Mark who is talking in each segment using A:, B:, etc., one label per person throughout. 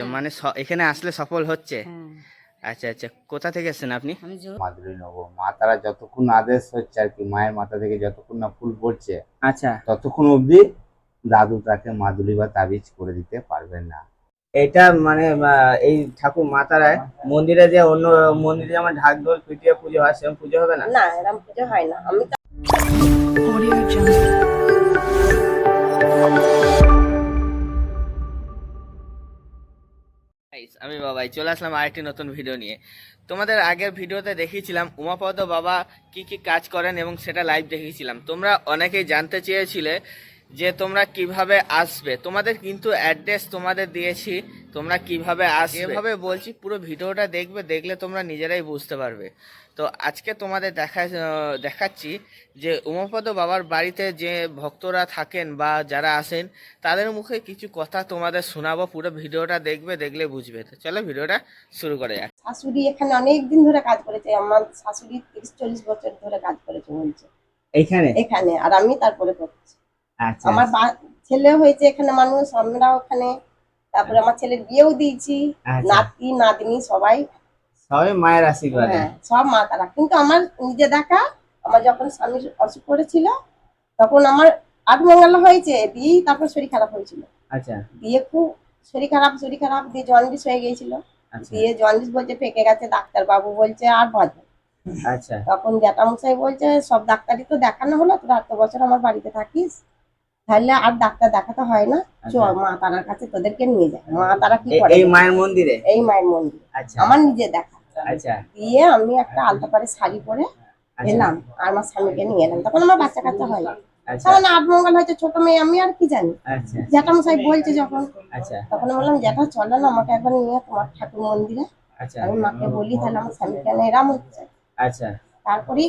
A: মানে এখানে আসলে সফল হচ্ছে। আচ্ছা আচ্ছা, কোথা থেকে এসেছেন আপনি?
B: মাদুলি নেবো, মা তারা যতক্ষণ আদেশ হচ্ছে আর কি, মায়ের মাথা থেকে যতক্ষণ না ফুল পড়ছে
A: আচ্ছা,
B: ততক্ষণ অবধি দাদু তাকে মাদুলি বা তাবিজ করে দিতে পারবেন না।
A: এটা মানে এই ঠাকুর মা তারায় মন্দিরে যে অন্য মন্দিরে যেমন ঢাক ঢোল পিটিয়ে পুজো হয় সেরকম পুজো হবে না?
C: না, এরকম পুজো হয় না। আমি তো
A: Guys, আমি বাবাই চলে আসলাম আরেকটি নতুন ভিডিও নিয়ে। তোমাদের আগের ভিডিওতে দেখিয়েছিলাম উমাপদ বাবা কি কি কাজ করেন এবং সেটা লাইভ দেখিয়েছিলাম। তোমরা অনেকেই জানতে চেয়েছিলে যে তোমরা কিভাবে আসবে, তোমাদের কিন্তু অ্যাড্রেস তোমাদের দিয়েছি, তোমরা কিভাবে আসবে এভাবে বলছি। পুরো ভিডিওটা দেখবে, দেখলে তোমরা নিজেরাই বুঝতে পারবে। তো আজকে তোমাদের দেখাচ্ছি যে উমাপদ বাবার বাড়িতে যে ভক্তরা থাকেন বা যারা আসেন তাদের মুখে কিছু কথা তোমাদের শোনাবো। পুরো ভিডিওটা দেখবে, দেখলে বুঝবে। তো চলো ভিডিওটা শুরু করা যাক।
C: শাশুড়ি এখানে অনেক দিন ধরে কাজ করেছে। আমার শাশুড়ি 30-40 বছর ধরে কাজ করেছে বলছে
A: এইখানে
C: এখানে, আর আমি তারপরে করছি।
A: আচ্ছা
C: আমার ছেলে হয়েছে এখানে, মানুষ আমরা ওখানে। তারপরে আমার ছেলের বিয়েও দিয়েছি,
A: আচ্ছা,
C: নাতি নাতনি সবাই।
A: সবাই মায়ের আশীর্বাদে।
C: হ্যাঁ, সব মা তারা। কিন্তু আমার নিজে দেখা, আমার যখন স্বামীর অসুখ করেছিল তখন আমার 8 মঙ্গলা হয়েছে, দিয়েই তারপর শরীর খারাপ হয়েছিল।
A: আচ্ছা
C: দিয়ে খুব শরীর খারাপ দিয়ে জন্ডিস হয়ে গিয়েছিল।
A: আচ্ছা
C: দিয়ে জন্ডিস বলছে ফেঁকে গেছে, ডাক্তার বাবু বলছে আর বাঁচবে।
A: আচ্ছা
C: তখন জ্যাঠামশাই বলছে সব ডাক্তারই তো দেখানো হলো, তোরা এত বছর আমার বাড়িতে থাকিস, তাহলে আর ডাক্তার দেখাতে হয় না, চ
A: আচ্ছা।
C: মা তারার কাছে তোদেরকে নিয়ে যায়। মা তারা কি করে
A: এই মায়ের মন্দিরে?
C: এই মায়ের মন্দির
A: আচ্ছা
C: আমার নিজে দেখা।
A: আচ্ছা
C: দিয়ে আমি একটা আলতা পাড়ে শাড়ি পরে
A: আচ্ছা
C: এলাম, আর আমার স্বামীকে নিয়ে এলাম। তখন আমার বাচ্চা কাচ্চা হয় না,
A: আচ্ছা
C: তখন 8 মঙ্গল হয়েছে, ছোট মেয়ে, আমি আর কি জানি।
A: আচ্ছা
C: জ্যাঠামশাই বলছে যখন,
A: আচ্ছা
C: তখন বললাম জ্যাঠা চলো না আমাকে একবার নিয়ে তোমার ঠাকুর মন্দিরে।
A: আচ্ছা
C: আমি মাকে বলি তাহলে আমার স্বামী কেন এরাম হচ্ছে।
A: আচ্ছা
C: তারপরেই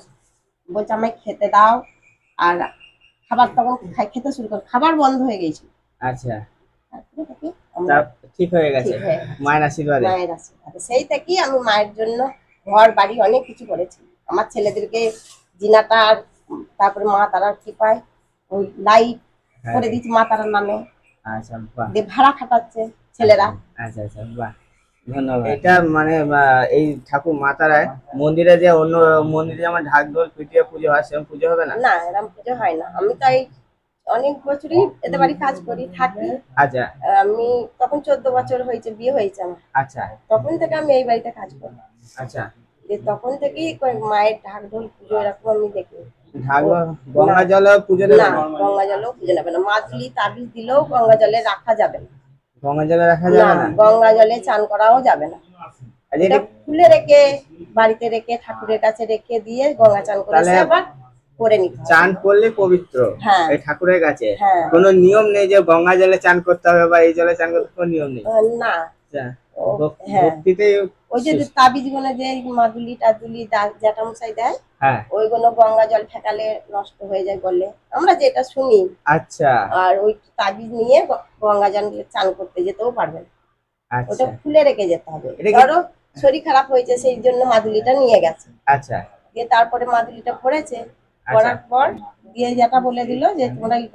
C: বলছে আমায় খেতে দাও। আর খাবার তখন খেতে শুরু করে, খাবার বন্ধ হয়ে গেছিল।
A: আচ্ছা,
C: তারপরে থেকে আমরা
A: ঠিক হয়ে গেছে
C: ঠিক হয়ে গেছে
A: মায়ের আশীর্বাদে।
C: মায়ের আশীর্বাদে। সেই থেকেই আমি মায়ের জন্য ঘর বাড়ি অনেক কিছু করেছি। আমার ছেলেদেরকে জিনাটা আর তারপরে মা তারার কৃপায় ওই লাইট
A: হ্যাঁ।
C: করে দিচ্ছি মা তারার নামে।
A: আচ্ছা বাহ।
C: দিয়ে ভাড়া খাটাচ্ছে ছেলেরা।
A: আচ্ছা আচ্ছা বাহ, ধন্যবাদ। এটা মানে এই ঠাকুর মা তারায় মন্দিরে যে অন্য মন্দিরে যেমন ঢাক ঢোল পিটিয়ে পুজো হয় সেরকম পুজো হবে না?
C: না, এরকম পুজো হয় না। আমি তাই অনেক বছরই এতে বাড়ি কাজ করি থাকি।
A: আচ্ছা
C: আমি তখন 14 বছর হয়েছে, বিয়ে হয়েছে আমার।
A: আচ্ছা
C: তখন থেকে আমি এই বাড়িতে কাজ করি।
A: আচ্ছা।
C: তখন থেকেই মায়ের ঢাক ঢোল পুজো এরকম আমি দেখি।
A: ঢাক গঙ্গা জল পুজো
C: না,
A: দেবে না?
C: গঙ্গা জলও পুজো নেবে না। মাদুলি তাবিজ দিলেও গঙ্গা জলে রাখা যাবে না।
A: গঙ্গা জলে রাখা
C: না,
A: যাবে না?
C: গঙ্গা জলে চান করাও যাবে না।
A: আচ্ছা,
C: এটা খুলে রেখে বাড়িতে রেখে ঠাকুরের কাছে রেখে দিয়ে গঙ্গা চান করে এসে আবার করে নিতে হবে।
A: চান করলে পবিত্র
C: হ্যাঁ।
A: এই ঠাকুরের কাছে
C: হ্যাঁ।
A: কোনো নিয়ম নেই যে গঙ্গা জলে চান করতে হবে বা এই জলে চান করতে হবে, কোনো নিয়ম নেই?
C: না।
A: আচ্ছা,
C: হ্যাঁ,
A: ভক্তিতে
C: ওই যে তাবিজ গুলো যে মাদুলি টাদুলি জ্যাঠামশাই দেয়,
A: হ্যাঁ
C: ওইগুলো গঙ্গা জল ফেকালে নষ্ট হয়ে যায় বলে আমরা যেটা শুনি।
A: আচ্ছা
C: আর ওই তাবিজ নিয়ে গঙ্গা জল চান করতে যেতেও পারবেন। ওটা
A: আচ্ছা
C: খুলে রেখে যেতে হবে।
A: এটা কি-
C: ধরো শরীর খারাপ হয়েছে সেই জন্য মাদুলিটা নিয়ে গেছে,
A: আচ্ছা
C: দিয়ে তারপরে মাদুলিটা পড়েছে, পড়ার পর দিয়ে যেটা বলে দিল যে তোমরা এই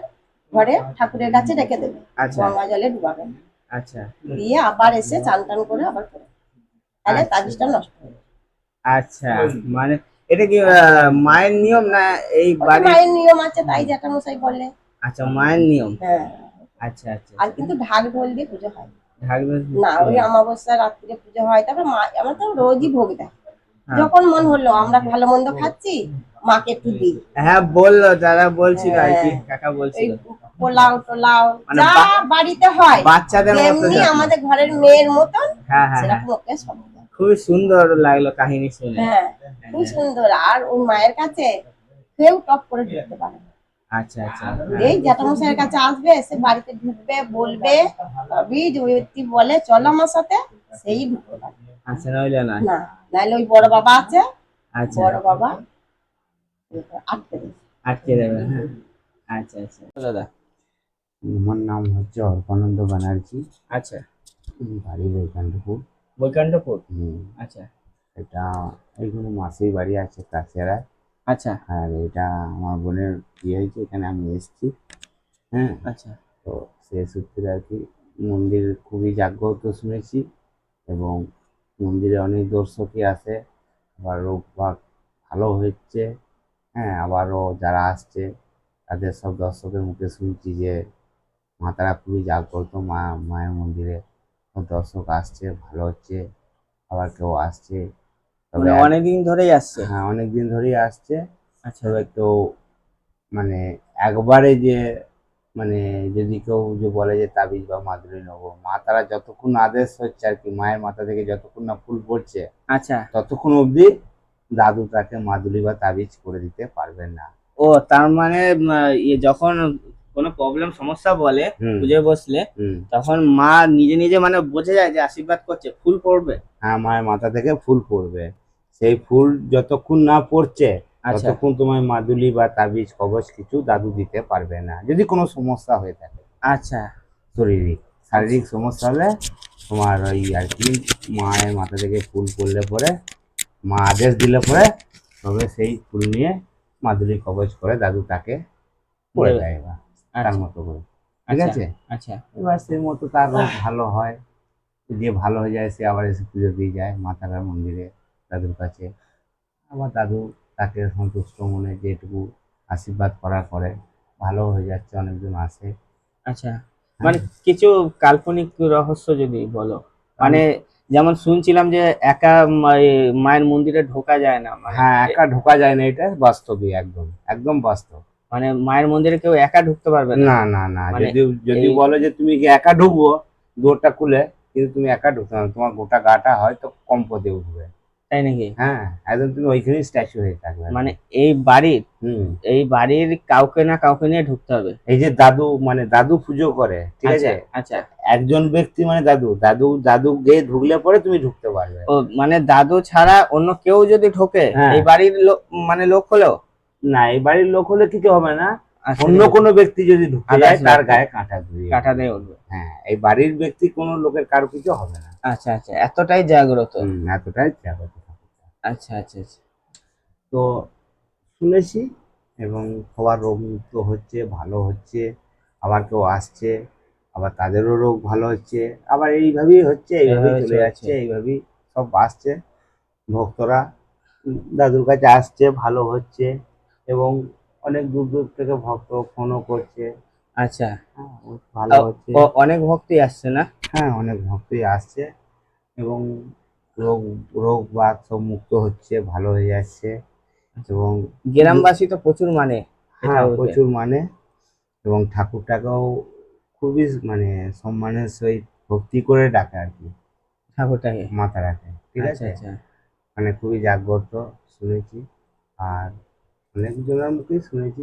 C: ঘরে ঠাকুরের কাছে রেখে দেবে,
A: আচ্ছা
C: গঙ্গা জলে ডুবাবে।
A: আচ্ছা
C: দিয়ে আবার এসে চান টান করে আবার করে, তাহলে
A: আচ্ছা।
C: তাবিজটা নষ্ট হবে।
A: আচ্ছা, মানে এটা কি মায়ের নিয়ম না এই
C: ওটা
A: বাড়ি?
C: মায়ের নিয়ম আছে, তাই জ্যাঠামশাই বলে।
A: আচ্ছা, মায়ের নিয়ম।
C: হ্যাঁ।
A: আচ্ছা আচ্ছা।
C: আর কিন্তু ঢাক ঢোল দিয়ে পুজো হয়
A: ঢাক
C: না। ওই অমাবস্যা রাত্রিরে পুজো হয়। তারপর মা আমার তো রোজই ভোগ দেয়।
A: হ্যাঁ।
C: যখন মন হলো, আমরা ভালো মন্দ খাচ্ছি, মাকে একটু দিই।
A: হ্যাঁ বললো, দাদা বলছিল আর কি,
C: হ্যাঁ।
A: কাকা
C: এই
A: বলছিল।
C: পোলাও টোলাও
A: মানে
C: যা বাড়িতে হয়
A: বাচ্চাদের মতো
C: যেমনি
A: যত্ন।
C: আমাদের ঘরের মেয়ের মতন
A: হ্যাঁ হ্যাঁ হ্যাঁ,
C: সেরকম ওকে সব দেয়।
A: খুবই সুন্দর লাগলো কাহিনী শুনে।
C: হ্যাঁ, খুব সুন্দর। আর ওই মায়ের কাছে কেউ টপ করে ঢুকতে পারে না।
A: আচ্ছা আচ্ছা
C: এই জ্যাঠামশাইয়ের কাছে আসবে, এসে বাড়িতে ঢুকবে, বলবে, তবেই যে ওই ব্যক্তি বলে চলো আমার সাথে, সেই ঢুকতে পারে।
A: আচ্ছা, নইলে না?
C: না, নাহলে ওই বড় বাবা আছে,
A: আচ্ছা,
C: বড় বাবা আটকে দেবে।
A: আটকে দেবে। হ্যাঁ আচ্ছা আচ্ছা দাদা।
B: আমার নাম হচ্ছে অর্পানন্দ ব্যানার্জি।
A: আচ্ছা,
B: বাড়ি বৈকান্তপুর।
A: বৈকান্তপুর।
B: হুম,
A: আচ্ছা
B: এটা এইখানে মাসির বাড়ি আছে কাছেরায়।
A: আচ্ছা
B: আর এটা আমার বোনের বিয়ে হয়েছে, এখানে আমি এসেছি। হ্যাঁ,
A: আচ্ছা
B: তো সে সূত্রে আর কি মন্দির খুবই জাগ্রত শুনেছি, এবং মন্দিরে অনেক দর্শকই আসে, আবার রোগ বাগ ভালো হচ্ছে। হ্যাঁ, আবারও যারা আসছে তাদের সব দর্শকের মুখে শুনছি যে মা তারা খুবই জাগ্রত, মায়ের মন্দিরে সব দর্শক আসছে, ভালো হচ্ছে। আবার কেউ আসছে, তবে
A: মানে অনেকদিন ধরেই আসছে।
B: হ্যাঁ, অনেক দিন ধরেই আসছে।
A: আচ্ছা
B: তবে কেউ মানে একবারে যে মানে যদি কেউ যে বলে যে তাবিজ বা মাদুলি নেবো, মা তারা যতক্ষণ আদেশ হচ্ছে আর কি, মায়ের মাথা থেকে যতক্ষণ না ফুল পড়ছে
A: আচ্ছা।
B: ততক্ষণ অবধি দাদু তাকে মাদুলি বা তাবিজ করে দিতে পারবেন না।
A: ও তার মানে যখন কোনো প্রবলেম সমস্যা বলে
B: হুম
A: খুঁজে বসলে
B: হুম
A: তখন মা নিজে নিজে মানে বোঝে যায় যে আশীর্বাদ করছে, ফুল পড়বে।
B: হ্যাঁ, মায়ের মাথা থেকে ফুল পড়বে। সেই ফুল যতক্ষণ না পড়ছে
A: আচ্ছা
B: ততক্ষণ তোমার মাদুলি বা তাবিজ কবচ কিছু দাদু দিতে পারবে না, যদি কোনো সমস্যা হয়ে থাকে।
A: আচ্ছা
B: শারীরিক সমস্যা হলে তোমার ওই আর কি মায়ের মাথা থেকে ফুল পড়লে পরে, মা আদেশ দিলে পরে তবে সেই ফুল নিয়ে মাদুলি কবচ করে দাদু তাকে পড়ে
A: দেবে।
B: দেয় এবার তার
A: আচ্ছা
B: মতো করে। ঠিক
A: আচ্ছা
B: আছে,
A: আচ্ছা
B: এবার সেই মতো তার রোগ ভালো হয়। যে ভালো হয়ে যায় সে আবার এসে পুজো দিয়ে যায় মা তারার মন্দিরে, দাদুর কাছে। আবার দাদু তাকে সন্তুষ্ট মনে যেটুকু আশীর্বাদ করার পরে ভালো হয়ে যাচ্ছে, অনেকজন আসে।
A: আচ্ছা।
B: হ্যাঁ,
A: মানে কিছু কাল্পনিক রহস্য যদি বলো, মানে যেমন শুনছিলাম যে একা মায়ের মন্দিরে ঢোকা যায় না, মানে
B: হ্যাঁ, একা ঢোকা যায় না, এটা বাস্তবই, একদম একদম বাস্তব।
A: মানে মায়ের মন্দিরে কেউ একা ঢুকতে পারবে না।
B: না না না,
A: মানে
B: যদি যদি
A: এই
B: বলো যে তুমি কি একা ঢুকবো দুয়ারটা খুলে, কিন্তু তুমি একা ঢুকতে না, তোমার গোটা গাটা হয়তো কম্পতে উঠবে।
A: তাই নাকি?
B: হ্যাঁ, একদম তুমি ওইখানেই স্ট্যাচু হয়ে থাকবে।
A: মানে এই বাড়ির
B: হুম,
A: এই বাড়ির কাউকে না কাউকে নিয়ে ঢুকতে হবে।
B: এই যে দাদু, মানে দাদু পুজো করে, ঠিক
A: আচ্ছা
B: আছে,
A: আচ্ছা।
B: একজন ব্যক্তি মানে দাদু, দাদু গিয়ে ঢুকলে পরে তুমি ঢুকতে পারবে।
A: ও মানে দাদু ছাড়া অন্য কেউ যদি ঢোকে
B: হ্যাঁ,
A: এই বাড়ির মানে লোক হলেও?
B: না, এই বাড়ির লোক হলে কিছু হবে না,
A: আচ্ছা,
B: অন্য কোনো ব্যক্তি যদি ঢুকতে যায়
A: আদার্স
B: তার
A: ব্যক্তি
B: গায়ে কাঁটা দিয়ে
A: কাঁটা দিয়ে উঠবে।
B: হ্যাঁ, এই বাড়ির ব্যক্তি কোনো লোকের কারো কিছু হবে না।
A: আচ্ছা আচ্ছা, এতটাই জাগ্রত।
B: এতটাই জাগ্রত ঠাকুর।
A: আচ্ছা আচ্ছা আচ্ছা।
B: তো শুনেছি, এবং সবার রোগ মুক্ত হচ্ছে, ভালো হচ্ছে, আবার কেউ আসছে, আবার তাদেরও রোগ ভালো হচ্ছে, আবার এইভাবেই হচ্ছে, এইভাবেই
A: এইভাবে
B: চলে
A: চলছে।
B: যাচ্ছে, এইভাবেই সব আসছে ভক্তরা, দাদুর কাছে আসছে, ভালো হচ্ছে। এবং অনেক দূর দূর থেকে ভক্ত ফোনও করছে।
A: আচ্ছা।
B: হ্যাঁ, ভালো হচ্ছে।
A: অনেক ভক্তি আসছে না?
B: হ্যাঁ, অনেক ভক্তই আসছে, এবং রোগ রোগ বাগ সব মুক্ত হচ্ছে, ভালো হয়ে যাচ্ছে। এবং
A: গ্রামবাসী তো প্রচুর মানে এই
B: হ্যাঁ,
A: ঠাকুরকে।
B: প্রচুর মানে, এবং ঠাকুরটাকেও খুবই মানে সম্মানের সহিত ভক্তি করে ডাকে আর কি,
A: ঠাকুরটাকে।
B: মাথা রাখে, ঠিক
A: আচ্ছা
B: আছে,
A: আচ্ছা
B: মানে খুবই জাগ্রত শুনেছি। আর অনেকজনের মুখেই শুনেছি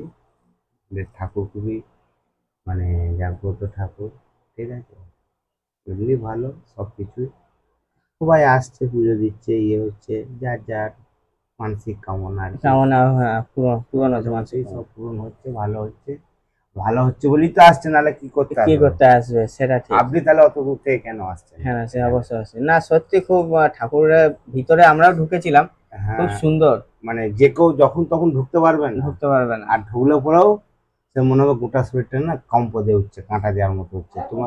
B: যে ঠাকুর খুবই মানে জাগ্রত ঠাকুর, ঠিক আছে, এগুলি ভালো সব কিছুই। সবাই আসছে, পুজো দিচ্ছে, ইয়ে হচ্ছে, যার যার মানসিক কামনা আর কি,
A: কামনা, হ্যাঁ, পূরণ হচ্ছে
B: মোটামুটি
A: মানসিক
B: সব
A: কামনা।
B: পূরণ হচ্ছে, ভালো হচ্ছে। ভালো হচ্ছে বলেই তো আসছে, নাহলে কি করতে
A: কি
B: আসবে?
A: করতে আসবে সেটা ঠিক।
B: আপনি তাহলে অত দূর থেকে কেন আসছেন
A: হ্যাঁ সে
B: এখানে?
A: অবশ্যই আছে, না সত্যি খুব ঠাকুরের ভিতরে আমরাও ঢুকেছিলাম, খুব
B: হ্যাঁ,
A: সুন্দর।
B: মানে যে কেউ যখন তখন ঢুকতে পারবেন না,
A: ঢুকতে পারবে না।
B: আর ঢুকলে পরেও সে মনে হবে গোটা শরীরটা না কম্প দিয়ে উঠছে, কাঁটা দেওয়ার মতো হচ্ছে তোমার।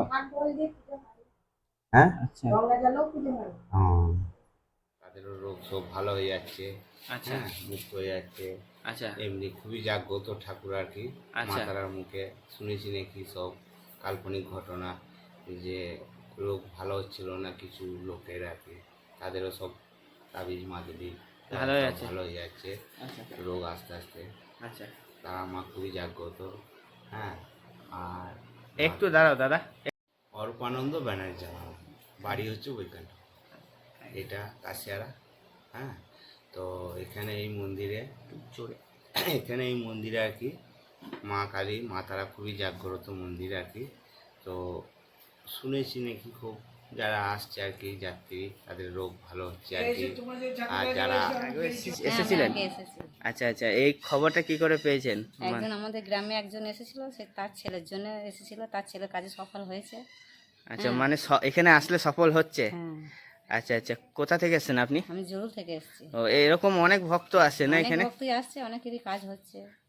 B: হ্যাঁ,
A: আচ্ছা
B: হ্যাঁ, তাদেরও রোগ সব ভালো হয়ে যাচ্ছে।
A: আচ্ছা
B: হ্যাঁ, মুক্ত হয়ে যাচ্ছে।
A: আচ্ছা
B: এমনি খুবই জাগ্রত ঠাকুর আর কি, মা
A: আচ্ছা
B: তারার মুখে শুনেছি নাকি সব কাল্পনিক ঘটনা, যে রোগ ভালো হচ্ছিল না কিছু লোকের আর কি, তাদেরও সব তাবিজ মাদুলি
A: ভালো হয়ে
B: সব
A: যাচ্ছে।
B: ভালো হয়ে যাচ্ছে,
A: আচ্ছা
B: রোগ আস্তে আস্তে।
A: আচ্ছা,
B: তারা মা খুবই জাগ্রত। হ্যাঁ, আর
A: একটু দাঁড়াও দাদা।
B: অর্পানন্দ ব্যানার্জি আমার বাড়ি হচ্ছে ওইখানটা, এটা কাশিয়ারা। হ্যাঁ, তো এখানে এই মন্দিরে
A: জোরে।
B: এখানে এই মন্দিরে আর কি মা কালী, মা তারা খুবই জাগ্রত মন্দির আর কি। তো শুনেছি নাকি খুব যারা আসছে আর কি যাত্রী, তাদের রোগ ভালো হচ্ছে আর কি। আর যারা
A: এসেছিলেন?
D: আগে এসেছি।
A: আচ্ছা আচ্ছা, এই খবরটা কি করে পেয়েছেন?
D: একজন আমাদের গ্রামে একজন এসেছিল, সে তার ছেলের জন্য এসেছিল, তার ছেলে কাজে সফল হয়েছে।
A: আচ্ছা,
D: হ্যাঁ।
A: মানে এখানে আসলে সফল হচ্ছে?
D: হ্যাঁ,
A: আচ্ছা আচ্ছা, কোথা থেকে এসেছেন আপনি?
D: আমি জরুর থেকে এসেছি।
A: ও, এরকম অনেক ভক্ত আসে না
D: অনেক
A: এখানে?
D: ভক্তই আসছে, অনেকেরই কাজ হচ্ছে।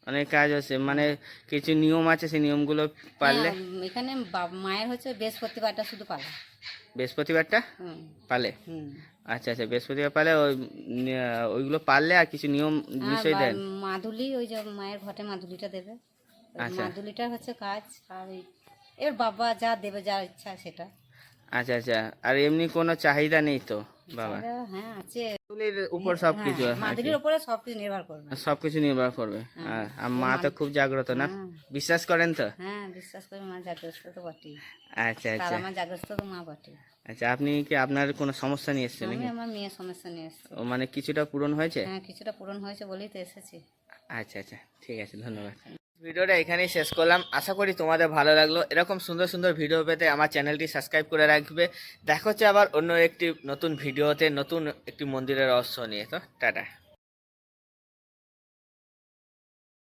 A: অনেক কাজ আছে, মানে কিছু নিয়ম আছে, সেই নিয়মগুলো পারলে।
D: এখানে মায়ের হচ্ছে বৃহস্পতিবারটা শুধু পালা।
A: বৃহস্পতিবারটা
D: হুম
A: পালে?
D: হুম।
A: আচ্ছা আচ্ছা, বৃহস্পতিবার পালে ওইগুলো পারলে আর কিছু নিয়ম
D: আর
A: বিষয় দেন?
D: মাদুলি, ওই যে মায়ের ঘটে মাদুলিটা দেবে, ওই
A: আচ্ছা।
D: মাদুলিটার হচ্ছে কাজ। আর এবার বাবা যা দেবে, যা ইচ্ছা সেটা।
A: আচ্ছা আচ্ছা, আর এমনি কোনো চাহিদা নেই তো বাবা?
D: চাহিদা, হ্যাঁ আছে।
A: মাদুলির উপর সবকিছু
D: হ্যাঁ,
A: আর কি?
D: মাদুলির উপরে সবকিছু নির্ভর করবে।
A: সবকিছু নির্ভর করবে। আর মা তো খুব জাগ্রত না,
D: হ্যাঁ।
A: বিশ্বাস করেন তো?
D: হ্যাঁ, বিশ্বাস করে মা জাগ্রস্ত তো বটেই।
A: আচ্ছা
D: তার
A: আচ্ছা
D: আমার জাগ্রস্ত তো মা বটে।
A: আচ্ছা, আপনি কি আপনার কোনো সমস্যা নিয়ে এসছেন
D: আমি
A: নাকি?
D: আমার মেয়ের সমস্যা নিয়ে এসেছি।
A: ও মানে কিছুটা পূরণ হয়েছে?
D: হ্যাঁ, কিছুটা পূরণ হয়েছে বলেই তো এসেছি।
A: আচ্ছা আচ্ছা, ঠিক আছে, ধন্যবাদ। ভিডিওটা এখানেই শেষ করলাম, আশা করি তোমাদের ভালো লাগলো। এরকম সুন্দর সুন্দর ভিডিও পেতে আমার চ্যানেলটি সাবস্ক্রাইব করে রাখবে। দেখা হচ্ছে আবার অন্য একটি নতুন ভিডিওতে, নতুন একটি মন্দিরের রহস্য নিয়ে। তো টাটা।